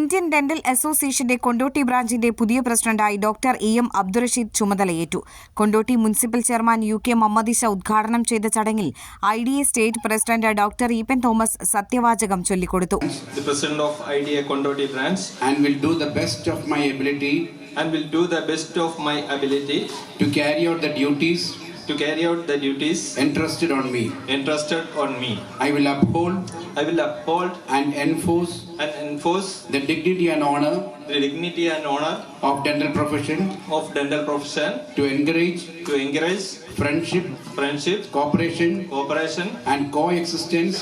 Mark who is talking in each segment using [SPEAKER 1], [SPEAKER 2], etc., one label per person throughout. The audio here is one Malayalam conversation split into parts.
[SPEAKER 1] ഇന്ത്യൻ ഡെന്റൽ അസോസിയേഷന്റെ കൊണ്ടോട്ടി ബ്രാഞ്ചിന്റെ പുതിയ പ്രസിഡന്റായി ഡോക്ടർ EM അബ്ദുറഷീദ് ചുമതലയേറ്റു. കൊണ്ടോട്ടി മുനിസിപ്പൽ ചെയർമാൻ UK മമ്മദിശ ഉദ്ഘാടനം ചെയ്ത ചടങ്ങിൽ IDA state president doctor Eapen Thomas സത്യവാചകം ചൊല്ലിക്കൊടുത്തു.
[SPEAKER 2] The president of IDA Kondoti branch
[SPEAKER 3] and will do the best of my ability to carry out the duties entrusted on me. I will uphold and enforce the dignity and honor of dental profession to encourage friendship, cooperation and coexistence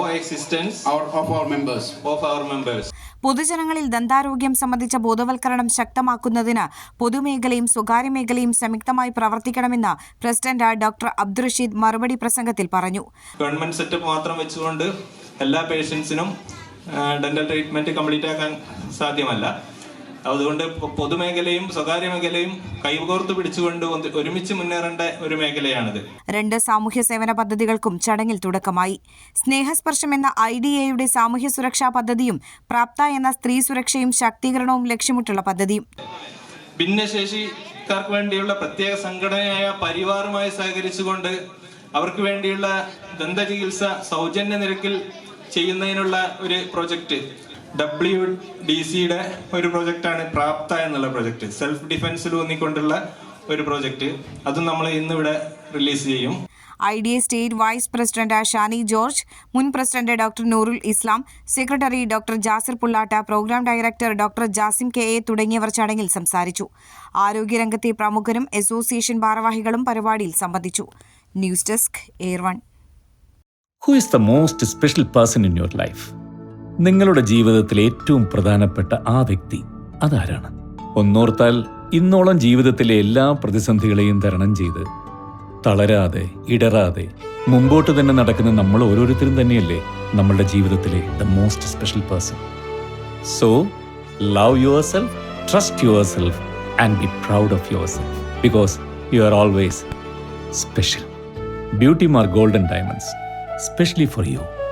[SPEAKER 3] of our members.
[SPEAKER 1] പൊതുജനങ്ങളിൽ ദന്താരോഗ്യം സംബന്ധിച്ച ബോധവൽക്കരണം ശക്തമാക്കുന്നതിന് പൊതുമേഖലയും സ്വകാര്യ മേഖലയും സംയുക്തമായി പ്രവർത്തിക്കണമെന്ന് പ്രസിഡന്റ് ഡോക്ടർ അബ്ദുറഷീദ് മറുപടി പ്രസംഗത്തിൽ പറഞ്ഞു.
[SPEAKER 2] ഗവൺമെന്റ് സെറ്റപ്പ് മാത്രം വെച്ചുകൊണ്ട് എല്ലാ പേഷ്യൻസിനും ഡെന്റൽ ട്രീറ്റ്മെന്റ് കംപ്ലീറ്റ് ആക്കാൻ സാധ്യമല്ല. അതുകൊണ്ട് പൊതുമേഖലയും സ്വകാര്യ മേഖലയും കൈകോർത്ത് പിടിച്ചുകൊണ്ട് ഒരുമിച്ച് മുന്നേറേണ്ട ഒരു മേഖലയാണിത്.
[SPEAKER 1] 2 സാമൂഹ്യ സേവന പദ്ധതികൾക്കും ചടങ്ങിൽ തുടക്കമായി. സ്നേഹസ്പർശം എന്ന IDAയുടെ സാമൂഹ്യ സുരക്ഷാ പദ്ധതിയും പ്രാപ്ത എന്ന സ്ത്രീ സുരക്ഷയും ശാക്തീകരണവും ലക്ഷ്യമിട്ടുള്ള പദ്ധതിയും.
[SPEAKER 2] ഭിന്നശേഷിക്കാർക്ക് വേണ്ടിയുള്ള പ്രത്യേക സംഘടനയായ പരിവാറുമായി സഹകരിച്ചുകൊണ്ട് അവർക്ക് വേണ്ടിയുള്ള ദന്തചികിത്സ സൗജന്യ നിരക്കിൽ ചെയ്യുന്നതിനുള്ള ഒരു പ്രൊജക്ട് WDCയുടെ ഒരു പ്രൊജക്റ്റാണ് പ്രാപ്ത എന്നുള്ള പ്രൊജക്ട്. സെൽഫ് ഡിഫൻസിൽ ഊന്നിക്കൊണ്ടുള്ള ഒരു പ്രൊജക്ട്. അതും നമ്മൾ ഇന്നിവിടെ റിലീസ് ചെയ്യും.
[SPEAKER 1] IDA state vice president Shani George, മുൻ president doctor Noorul Islam, secretary doctor Jasir Pullatta, programme director doctor Jasim KA തുടങ്ങിയവർ ചടങ്ങിൽ സംസാരിച്ചു. ആരോഗ്യരംഗത്തെ പ്രമുഖരും അസോസിയേഷൻ ഭാരവാഹികളും പരിപാടിയിൽ സംബന്ധിച്ചു. News desk Air1.
[SPEAKER 4] Who is the most special person in your life? നിങ്ങളുടെ ജീവിതത്തിലെ ഏറ്റവും പ്രധാനപ്പെട്ട ആ വ്യക്തി അതാരാണ്? ഒന്നോർത്താൽ ഇന്നോളം ജീവിതത്തിലെ എല്ലാ പ്രതിസന്ധികളെയും തരണം ചെയ്ത് തളരാതെ ഇടറാതെ മുമ്പോട്ട് തന്നെ നടക്കുന്ന നമ്മൾ ഓരോരുത്തരും തന്നെയല്ലേ നമ്മളുടെ ജീവിതത്തിലെ the most special person. So love yourself, trust yourself and be proud of yourself because you are always special. Beauty mark golden diamonds, specially for U.